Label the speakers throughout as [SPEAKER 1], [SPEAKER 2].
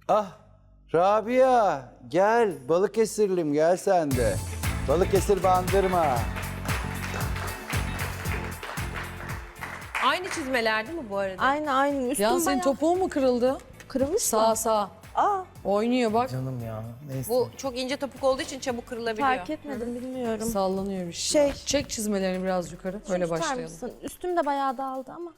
[SPEAKER 1] Ah Rabia gel Balıkesirlim gel sen de. Balıkesir bandırma.
[SPEAKER 2] Aynı çizmeler değil mi bu arada?
[SPEAKER 3] Aynen. Üstüm
[SPEAKER 4] Ya senin
[SPEAKER 3] bayağı
[SPEAKER 4] topuğun mu kırıldı?
[SPEAKER 3] kırılmış
[SPEAKER 4] Sağ
[SPEAKER 3] mı?
[SPEAKER 4] sağ.
[SPEAKER 3] Aa,
[SPEAKER 4] Oynuyor bak.
[SPEAKER 5] Canım ya. Neyse.
[SPEAKER 2] Bu çok ince topuk olduğu için çabuk kırılabiliyor.
[SPEAKER 3] fark etmedim bilmiyorum.
[SPEAKER 4] Sallanıyor bir şey.
[SPEAKER 3] Şey-
[SPEAKER 4] Çek çizmelerini biraz yukarı.
[SPEAKER 3] Şunu
[SPEAKER 4] Öyle
[SPEAKER 3] tutar
[SPEAKER 4] başlayalım.
[SPEAKER 3] mısın? Üstüm de bayağı dağıldı ama.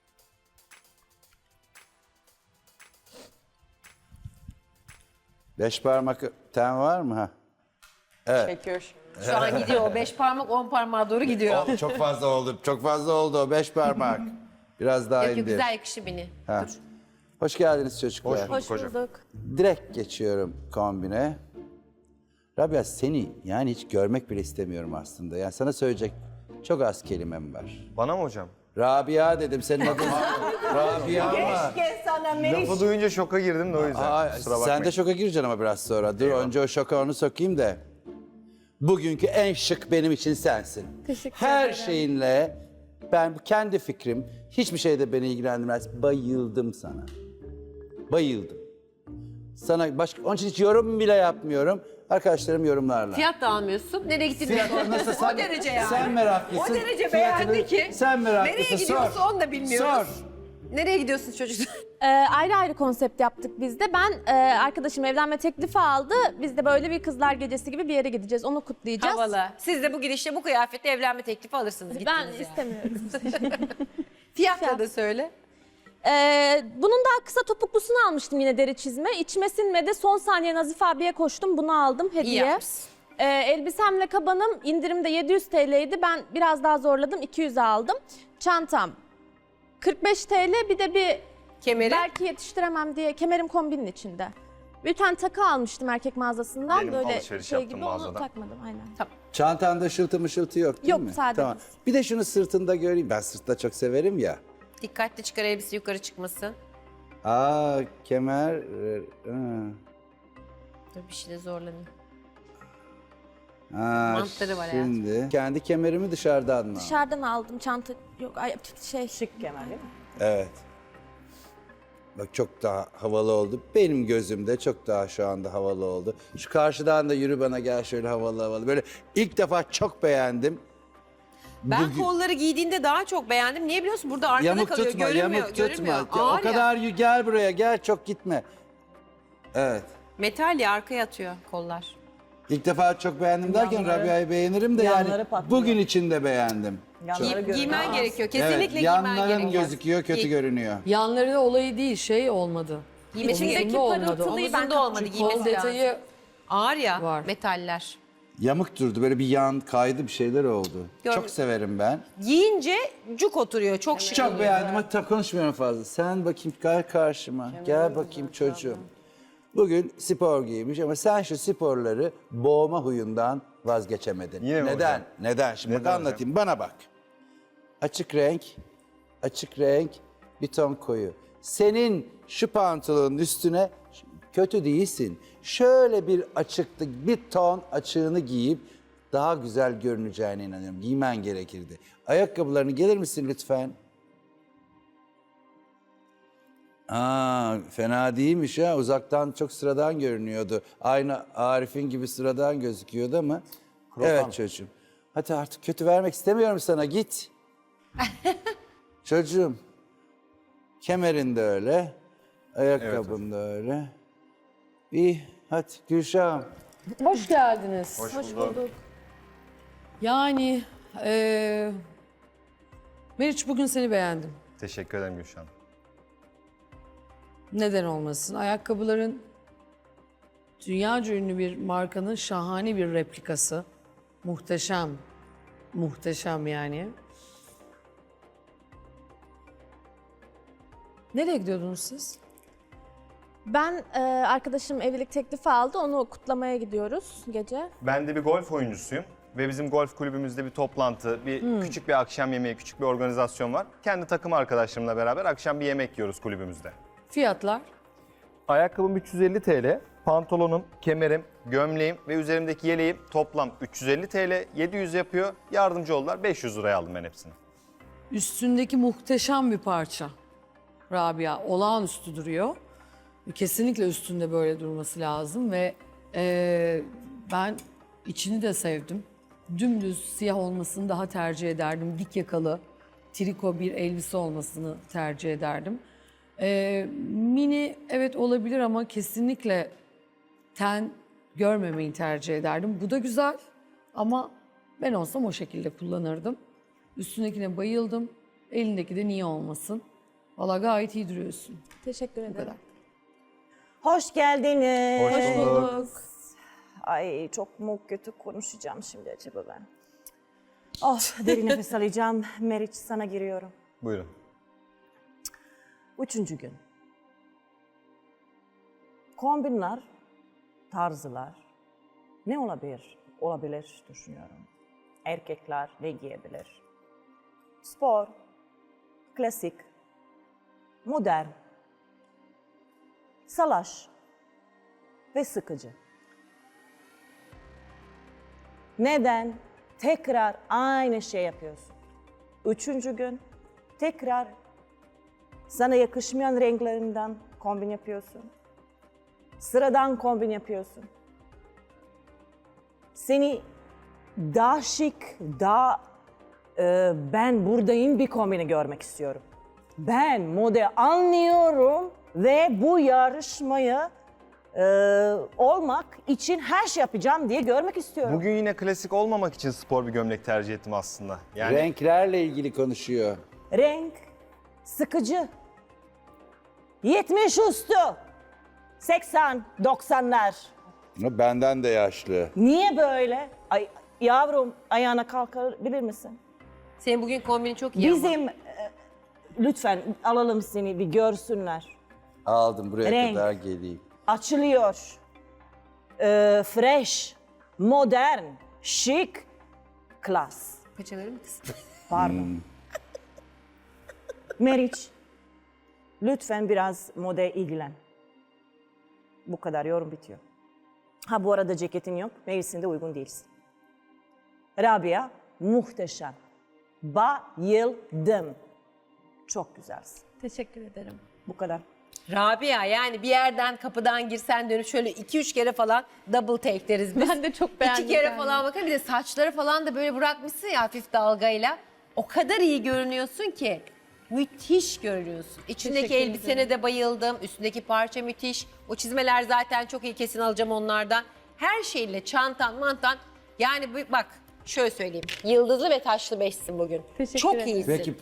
[SPEAKER 1] Beş parmak ten var mı? Ha?
[SPEAKER 2] Çekiyor. Şu an gidiyor. 5 parmak 10 parmağa doğru gidiyor.
[SPEAKER 1] Oh, çok fazla oldu. Çok fazla oldu o 5 parmak. Biraz daha
[SPEAKER 2] Yok,
[SPEAKER 1] indir.
[SPEAKER 2] güzel yakışı beni.
[SPEAKER 1] Ha. Hoş geldiniz çocuklar.
[SPEAKER 3] Hoş bulduk.
[SPEAKER 1] Direkt geçiyorum kombine. Rabia seni yani hiç görmek bile istemiyorum aslında. Yani sana söyleyecek çok az kelimem var.
[SPEAKER 6] Bana mı hocam?
[SPEAKER 1] Rabia dedim senin adın Rabia ama.
[SPEAKER 6] Lafı duyunca şoka girdim de o yüzden.
[SPEAKER 1] Aa,
[SPEAKER 6] Kusura bakmayın.
[SPEAKER 1] sen de şoka gireceksin ama biraz sonra. Dur önce o şoka onu sokayım da. Bugünkü en şık benim için sensin.
[SPEAKER 3] Teşekkür
[SPEAKER 1] Her
[SPEAKER 3] ederim.
[SPEAKER 1] şeyinle ben kendi fikrim hiçbir şey de beni ilgilendirmez. Bayıldım sana. Bayıldım. Sana başka onun için hiç yorum bile yapmıyorum. Arkadaşlarım yorumlarla.
[SPEAKER 2] Fiyat da almıyorsun. Nereye gittiğini
[SPEAKER 1] Fiyat
[SPEAKER 2] de
[SPEAKER 1] nasıl sen,
[SPEAKER 2] O derece yani.
[SPEAKER 1] Sen meraklısın.
[SPEAKER 2] O derece
[SPEAKER 1] Fiyatını
[SPEAKER 2] beğendi ki.
[SPEAKER 1] Sen meraklısın.
[SPEAKER 2] Nereye gidiyorsun
[SPEAKER 1] Sor.
[SPEAKER 2] onu da bilmiyoruz.
[SPEAKER 1] Sor.
[SPEAKER 2] Nereye gidiyorsun çocuklar?
[SPEAKER 3] Ayrı ayrı konsept yaptık biz de. Ben arkadaşım evlenme teklifi aldı. Biz de böyle bir kızlar gecesi gibi bir yere gideceğiz. Onu kutlayacağız.
[SPEAKER 2] Havalı. Siz de bu girişte bu kıyafetle evlenme teklifi alırsınız.
[SPEAKER 3] Ben
[SPEAKER 2] gittiniz yani.
[SPEAKER 3] istemiyorum.
[SPEAKER 2] Fiyatla da söyle.
[SPEAKER 3] Bunun daha kısa topuklusunu almıştım yine deri çizme. İçime sinmedi. Son saniye Nazif abiye koştum. Bunu aldım
[SPEAKER 2] İyi
[SPEAKER 3] hediye.
[SPEAKER 2] yapmışsın.
[SPEAKER 3] Elbisemle kabanım indirimde 700 TL'ydi. Ben biraz daha zorladım. 200'e aldım. Çantam 45 TL. Bir de bir
[SPEAKER 2] Kemeri.
[SPEAKER 3] belki yetiştiremem diye kemerim kombinin içinde. Bir tane takı almıştım erkek mağazasından.
[SPEAKER 6] Benim
[SPEAKER 3] böyle
[SPEAKER 6] alışveriş
[SPEAKER 3] şey
[SPEAKER 6] yaptım
[SPEAKER 3] gibi onu
[SPEAKER 6] mağazadan.
[SPEAKER 3] takmadım aynen.
[SPEAKER 1] Çantanda ışıltı mışıltı yok değil
[SPEAKER 3] Yok,
[SPEAKER 1] mi?
[SPEAKER 3] sade
[SPEAKER 1] Tamam.
[SPEAKER 3] düz.
[SPEAKER 1] Bir de şunu sırtında göreyim. Ben sırtta çok severim ya.
[SPEAKER 2] Dikkatli çıkar elbise yukarı çıkmasın.
[SPEAKER 1] Aa kemer.
[SPEAKER 2] Dur bir şey de zorlanıyor.
[SPEAKER 1] Aa,
[SPEAKER 2] Mantları var
[SPEAKER 1] şimdi. Kendi kemerimi dışarıdan mı?
[SPEAKER 3] Dışarıdan aldım çanta yok ay, şey.
[SPEAKER 7] Şık kemer değil mi?
[SPEAKER 1] Evet. Bak çok daha havalı oldu. Benim gözümde çok daha şu anda havalı oldu. Şu karşıdan da yürü bana gel şöyle havalı havalı. Böyle ilk defa çok beğendim.
[SPEAKER 2] Ben
[SPEAKER 1] Bugün-
[SPEAKER 2] kolları giydiğinde daha çok beğendim. Niye biliyorsun? Burada arkada
[SPEAKER 1] Yamuk
[SPEAKER 2] kalıyor.
[SPEAKER 1] tutma,
[SPEAKER 2] Görünmüyor.
[SPEAKER 1] yamuk tutma.
[SPEAKER 2] Görünmüyor.
[SPEAKER 1] O
[SPEAKER 2] Ağır ya.
[SPEAKER 1] kadar gel buraya gel çok gitme. Evet.
[SPEAKER 2] Metal ya arkaya atıyor kollar.
[SPEAKER 1] İlk defa çok beğendim derken
[SPEAKER 7] Yanları-
[SPEAKER 1] Rabia'yı beğenirim de yani
[SPEAKER 7] yanları patlıyor.
[SPEAKER 1] bugün için de beğendim.
[SPEAKER 7] Yanları görünüyor.
[SPEAKER 2] Giymen gerekiyor.
[SPEAKER 1] Evet,
[SPEAKER 2] Kesinlikle giymen
[SPEAKER 1] yanların
[SPEAKER 2] gerekiyor.
[SPEAKER 1] gözüküyor, kötü
[SPEAKER 2] Giy.
[SPEAKER 1] görünüyor.
[SPEAKER 4] Yanları olayı değil şey olmadı.
[SPEAKER 2] Giymesi
[SPEAKER 4] Omuzunda
[SPEAKER 3] İçindeki
[SPEAKER 4] olmadı.
[SPEAKER 3] parıltılıyı ben
[SPEAKER 2] Omuzunda olmadı.
[SPEAKER 4] Çünkü kol
[SPEAKER 2] Giymesi lazım.
[SPEAKER 4] detayı
[SPEAKER 2] Ağır ya
[SPEAKER 4] var.
[SPEAKER 2] metaller.
[SPEAKER 1] Yamuk durdu, böyle bir yan kaydı bir şeyler oldu.
[SPEAKER 2] Gör-
[SPEAKER 1] Çok severim ben.
[SPEAKER 2] Giyince cuk oturuyor. Çok şık
[SPEAKER 1] Çok
[SPEAKER 2] oluyor.
[SPEAKER 1] beğendim. Hadi konuşmuyorum fazla. Sen bakayım gel karşıma. Gel bakayım çocuğum. Bugün spor giymiş ama sen şu sporları boğma huyundan vazgeçemedin.
[SPEAKER 6] Yine mi
[SPEAKER 1] Neden?
[SPEAKER 6] hocam?
[SPEAKER 1] Neden? Şimdi bak
[SPEAKER 6] Neden hocam?
[SPEAKER 1] anlatayım. Bana bak. Açık renk, bir ton koyu. Senin şu pantolonun üstüne kötü değilsin. Şöyle bir açıklık, bir ton açığını giyip daha güzel görüneceğine inanıyorum. Giymen gerekirdi. Ayakkabılarını gelir misin lütfen? Aa, fena değilmiş ha. Uzaktan çok sıradan görünüyordu. Aynı Arif'in gibi sıradan gözüküyordu ama. Evet çocuğum. Hadi artık kötü vermek istemiyorum sana. Git. Çocuğum. Kemerin de öyle. Ayakkabın da öyle. İyi. Hadi Gülşah'ım.
[SPEAKER 4] Hoş geldiniz.
[SPEAKER 3] Hoş bulduk.
[SPEAKER 4] Yani Meriç bugün seni beğendim.
[SPEAKER 6] Teşekkür ederim Gülşen.
[SPEAKER 4] Neden olmasın? Ayakkabıların dünyaca ünlü bir markanın şahane bir replikası. Muhteşem. Muhteşem yani. Nereye gidiyordunuz siz?
[SPEAKER 3] Ben arkadaşım evlilik teklifi aldı. Onu kutlamaya gidiyoruz gece.
[SPEAKER 6] Ben de bir golf oyuncusuyum ve bizim golf kulübümüzde bir toplantı, küçük bir akşam yemeği, küçük bir organizasyon var. Kendi takım arkadaşlarımla beraber akşam bir yemek yiyoruz kulübümüzde.
[SPEAKER 4] Fiyatlar?
[SPEAKER 6] Ayakkabım 350 TL, pantolonum, kemerim, gömleğim ve üzerimdeki yeleğim toplam 350 TL, 700 yapıyor. Yardımcı oldular, 500 liraya aldım ben hepsini.
[SPEAKER 4] Üstündeki muhteşem bir parça. Rabia olağanüstü duruyor. Kesinlikle üstünde böyle durması lazım ve ben içini de sevdim. Dümdüz siyah olmasını daha tercih ederdim. Dik yakalı, triko bir elbise olmasını tercih ederdim. Mini evet olabilir ama kesinlikle ten görmemeyi tercih ederdim. Bu da güzel ama ben olsam o şekilde kullanırdım. Üstündekine bayıldım. Elindeki de niye olmasın? Valla gayet iyi duruyorsun.
[SPEAKER 3] Teşekkür
[SPEAKER 4] Bu
[SPEAKER 3] ederim.
[SPEAKER 4] kadar.
[SPEAKER 5] Hoş geldiniz.
[SPEAKER 6] Hoş bulduk.
[SPEAKER 5] Ay çok mu kötü konuşacağım şimdi acaba ben. Oh derin nefes alacağım. Meriç sana giriyorum.
[SPEAKER 6] Buyurun.
[SPEAKER 5] 3. gün. Kombinler, tarzlar ne olabilir? Olabilir düşünüyorum. Erkekler ne giyebilir? Spor, klasik, modern, salaş ve sıkıcı. Neden tekrar aynı şey yapıyorsun? 3. gün tekrar sana yakışmayan renklerinden kombin yapıyorsun. Sıradan kombin yapıyorsun. Seni daha şık, daha ben buradayım bir kombini görmek istiyorum. Ben mode anlıyorum ve bu yarışmayı olmak için her şey yapacağım diye görmek istiyorum.
[SPEAKER 6] Bugün yine klasik olmamak için spor bir gömlek tercih ettim aslında. Yani
[SPEAKER 1] Renklerle ilgili konuşuyor.
[SPEAKER 5] Renk sıkıcı. 70 üstü. 80, 90'lar.
[SPEAKER 1] Ama benden de yaşlı.
[SPEAKER 5] Niye böyle? Ay yavrum ayağına kalkabilir misin?
[SPEAKER 2] Senin bugün kombinin çok iyi ama.
[SPEAKER 5] Bizim lütfen alalım seni bir görsünler.
[SPEAKER 1] Aldım buraya
[SPEAKER 5] Renk.
[SPEAKER 1] kadar geleyim.
[SPEAKER 5] Açılıyor. Fresh, modern, şık, klas.
[SPEAKER 2] Paçaları mı kısa?
[SPEAKER 5] Pardon. Meriç, lütfen biraz mode ilgilen. Bu kadar yorum bitiyor. Ha bu arada ceketin yok, mevsiminde uygun değilsin. Rabia, muhteşem. Bayıldım. Çok güzelsin.
[SPEAKER 3] Teşekkür ederim.
[SPEAKER 5] Bu kadar.
[SPEAKER 2] Rabia yani bir yerden kapıdan girsen dönüp şöyle 2-3 kere falan double take deriz biz.
[SPEAKER 3] Ben de çok beğendim
[SPEAKER 2] 2 kere
[SPEAKER 3] yani.
[SPEAKER 2] falan bakın bir de saçları falan da böyle bırakmışsın ya hafif dalgayla. O kadar iyi görünüyorsun ki. Müthiş görünüyorsun. İçindeki
[SPEAKER 3] Teşekkür
[SPEAKER 2] elbisene de bayıldım. Üstündeki parça müthiş. O çizmeler zaten çok iyi, kesin alacağım onlardan. Her şeyle çantan mantan. Yani bak şöyle söyleyeyim. Yıldızlı ve taşlı beşsin bugün.
[SPEAKER 3] Teşekkür
[SPEAKER 2] çok
[SPEAKER 3] ederim.
[SPEAKER 2] iyisin.
[SPEAKER 1] Peki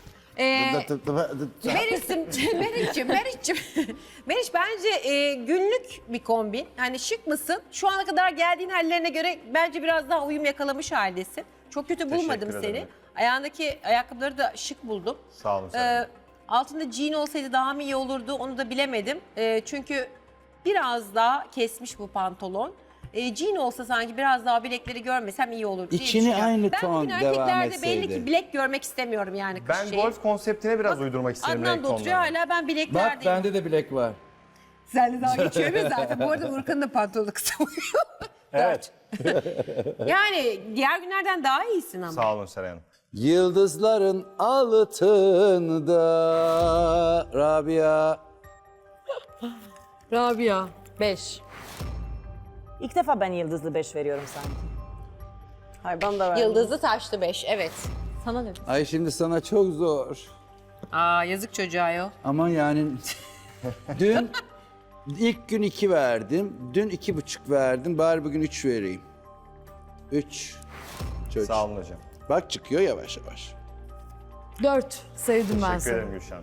[SPEAKER 2] Meriç bence günlük bir kombin. Yani şık mısın? Şu ana kadar geldiğin hallerine göre bence biraz daha uyum yakalamış haldesin. Çok kötü bulmadım
[SPEAKER 6] Teşekkür
[SPEAKER 2] seni.
[SPEAKER 6] ederim.
[SPEAKER 2] Ayağındaki ayakkabıları da şık buldum.
[SPEAKER 6] sağ olun. Seren Hanım.
[SPEAKER 2] Altında jean olsaydı daha mı iyi olurdu onu da bilemedim. Çünkü biraz daha kesmiş bu pantolon. Jean olsa sanki biraz daha bilekleri görmesem iyi olur diye
[SPEAKER 1] İçini
[SPEAKER 2] düşünüyorum.
[SPEAKER 1] aynı
[SPEAKER 2] ben
[SPEAKER 1] ton
[SPEAKER 2] bugün
[SPEAKER 1] devam
[SPEAKER 2] erkeklerde belli
[SPEAKER 1] etseydi.
[SPEAKER 2] ki bilek görmek istemiyorum yani kış
[SPEAKER 6] Ben
[SPEAKER 2] şeyi.
[SPEAKER 6] golf konseptine biraz uydurmak isterim
[SPEAKER 2] Adnan
[SPEAKER 6] renk
[SPEAKER 2] da oturuyor
[SPEAKER 6] tonlarını.
[SPEAKER 2] hala ben
[SPEAKER 1] Bak
[SPEAKER 2] bileklerdeyim.
[SPEAKER 1] bende de bilek var.
[SPEAKER 2] Sen de daha geçiyor mu zaten? Bu arada Urkan'ın da pantolonu kısa oluyor.
[SPEAKER 6] Evet.
[SPEAKER 2] Yani diğer günlerden daha iyisin ama.
[SPEAKER 6] Sağ olun Seren Hanım.
[SPEAKER 1] Yıldızların altında Rabia.
[SPEAKER 4] Rabia 5.
[SPEAKER 5] İlk defa ben yıldızlı 5 veriyorum sanki. Hayır bana da ver.
[SPEAKER 2] Yıldızlı taşlı 5 evet.
[SPEAKER 3] Sana dedim.
[SPEAKER 1] Ay şimdi sana çok zor.
[SPEAKER 2] Aa yazık çocuğa yo.
[SPEAKER 1] Ama yani dün ilk gün 2 verdim. Dün 2,5 verdim. Bari bugün 3 vereyim. 3. Çocuk.
[SPEAKER 6] Sağ olun hocam.
[SPEAKER 1] Bak çıkıyor yavaş yavaş.
[SPEAKER 4] 4. Sevdim ben
[SPEAKER 6] Teşekkür
[SPEAKER 4] seni.
[SPEAKER 6] ederim Gülşen.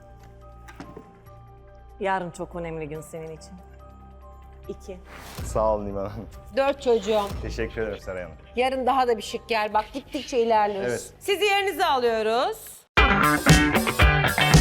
[SPEAKER 5] Yarın çok önemli gün senin için. 2.
[SPEAKER 6] Sağ olun İman Hanım.
[SPEAKER 2] 4 çocuğum.
[SPEAKER 6] Teşekkür ederim Seren Hanım.
[SPEAKER 2] Yarın daha da bir şık gel. Bak gittikçe ilerliyoruz.
[SPEAKER 6] Evet.
[SPEAKER 2] Sizi yerinize alıyoruz.